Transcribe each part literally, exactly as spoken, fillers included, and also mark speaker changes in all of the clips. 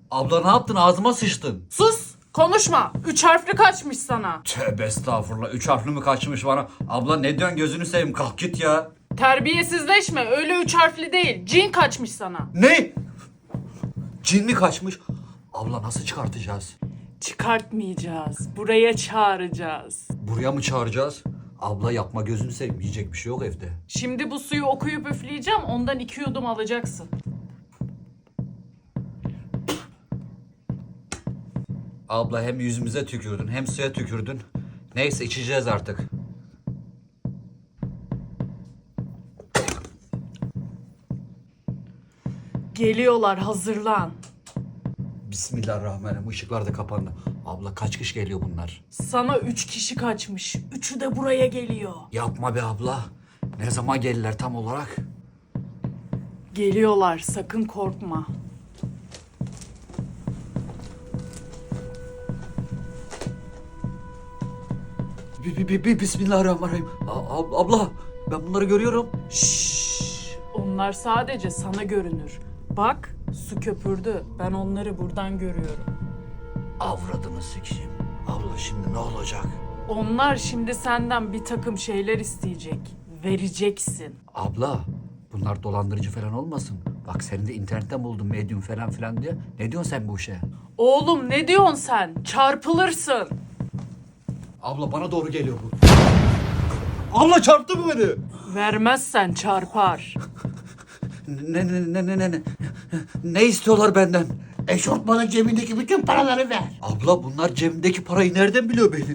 Speaker 1: Abla ne yaptın? Ağzıma sıçtın.
Speaker 2: Sus! Konuşma. Üç harfli kaçmış sana.
Speaker 1: Tövbe estağfurullah. Üç harfli mi kaçmış bana? Abla ne diyorsun, gözünü seveyim, kalk git ya.
Speaker 2: Terbiyesizleşme. Öyle üç harfli değil. Cin kaçmış sana.
Speaker 1: Ne? Cin mi kaçmış? Abla nasıl çıkartacağız?
Speaker 2: Çıkartmayacağız. Buraya çağıracağız.
Speaker 1: Buraya mı çağıracağız? Abla yapma, gözünü seveyim. Yiyecek bir şey yok evde.
Speaker 2: Şimdi bu suyu okuyup üfleyeceğim. Ondan iki yudum alacaksın.
Speaker 1: Abla hem yüzümüze tükürdün hem suya tükürdün. Neyse, içeceğiz artık.
Speaker 2: Geliyorlar. Hazırlan.
Speaker 1: Bismillahirrahmanirrahim. Işıklar da kapandı. Abla kaç kişi geliyor bunlar?
Speaker 2: Sana üç kişi kaçmış. Üçü de buraya geliyor.
Speaker 1: Yapma be abla. Ne zaman gelirler tam olarak?
Speaker 2: Geliyorlar. Sakın korkma.
Speaker 1: Bi, bi, bi, bi- Bismillahirrahmanirrahim. A- ab- abla ben bunları görüyorum.
Speaker 2: Şşş. Onlar sadece sana görünür. Bak, su köpürdü. Ben onları buradan görüyorum.
Speaker 1: Avradını sikeyim. Abla şimdi ne olacak?
Speaker 2: Onlar şimdi senden bir takım şeyler isteyecek. Vereceksin.
Speaker 1: Abla bunlar dolandırıcı falan olmasın. Bak seni de internetten buldum, medyum falan filan diye. Ne diyorsun sen bu işe?
Speaker 2: Oğlum ne diyorsun sen? Çarpılırsın.
Speaker 1: Abla bana doğru geliyor bu. Abla çarptı mı beni?
Speaker 2: Vermezsen çarpar.
Speaker 1: Ne ne ne ne ne ne? Ne istiyorlar benden?
Speaker 3: Eşortmanın cebindeki bütün paraları ver.
Speaker 1: Abla bunlar cebimdeki parayı nereden biliyor benim?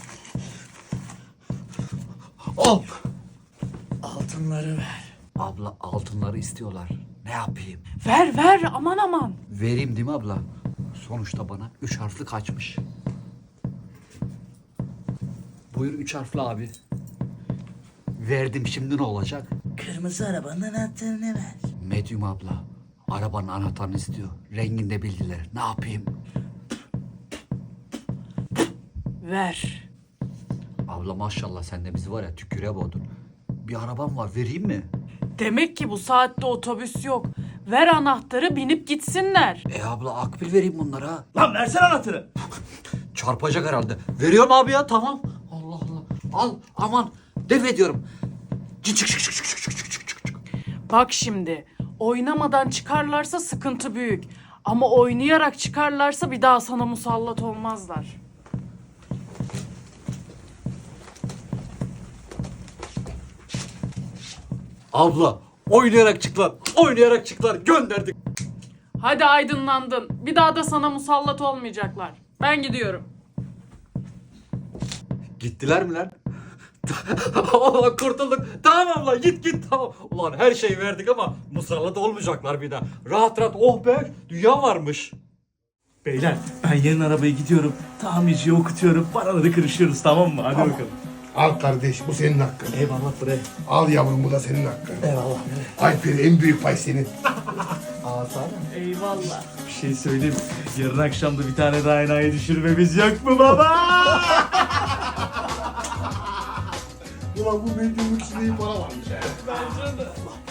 Speaker 1: Al.
Speaker 2: Altınları ver.
Speaker 1: Abla altınları istiyorlar. Ne yapayım?
Speaker 2: Ver ver aman aman.
Speaker 1: Vereyim değil mi abla? Sonuçta bana üç harfli kaçmış. Buyur üç harfli abi. Verdim, şimdi ne olacak?
Speaker 3: Kırmızı arabanın anahtarını ver.
Speaker 1: Medyum abla. Arabanın anahtarını istiyor. Rengini de bildiler. Ne yapayım?
Speaker 2: Ver.
Speaker 1: Abla maşallah sen de bizi var ya tüküre boğdun. Bir arabam var, vereyim mi?
Speaker 2: Demek ki bu saatte otobüs yok. Ver anahtarı binip gitsinler.
Speaker 1: E abla akbil vereyim bunlara.
Speaker 4: Lan versene anahtarı.
Speaker 1: Çarpacak herhalde. Veriyorum abi ya, tamam. Allah Allah. Al aman. Def ediyorum. Çık çık çık çık çık çık çık çık çık.
Speaker 2: Bak şimdi oynamadan çıkarlarsa sıkıntı büyük. Ama oynayarak çıkarlarsa bir daha sana musallat olmazlar.
Speaker 1: Abla oynayarak çıklar. Oynayarak çıklar. Gönderdik.
Speaker 2: Hadi aydınlandın. Bir daha da sana musallat olmayacaklar. Ben gidiyorum.
Speaker 1: Gittiler mi lan? Allah kurtulduk. Tamam abla git git tamam. Ulan her şeyi verdik ama musallat olmayacaklar bir daha. Rahat rahat, oh be, dünya varmış.
Speaker 4: Beyler ben yarın arabaya gidiyorum. Tamirciye okutuyorum. Paraları kırışıyoruz, tamam mı? Hadi bakalım.
Speaker 5: Al kardeş, bu senin hakkın.
Speaker 4: Eyvallah bre.
Speaker 5: Al yavrum, bu da senin hakkın.
Speaker 4: Eyvallah bre.
Speaker 5: Alper, en büyük pay senin.
Speaker 2: Eyvallah.
Speaker 4: Bir şey söyleyeyim. Yarın akşam da bir tane daha enayi düşürmemiz yok mu baba?
Speaker 5: Ulan bu medyumluk içinde iyi para varmış ha.
Speaker 2: Bence de.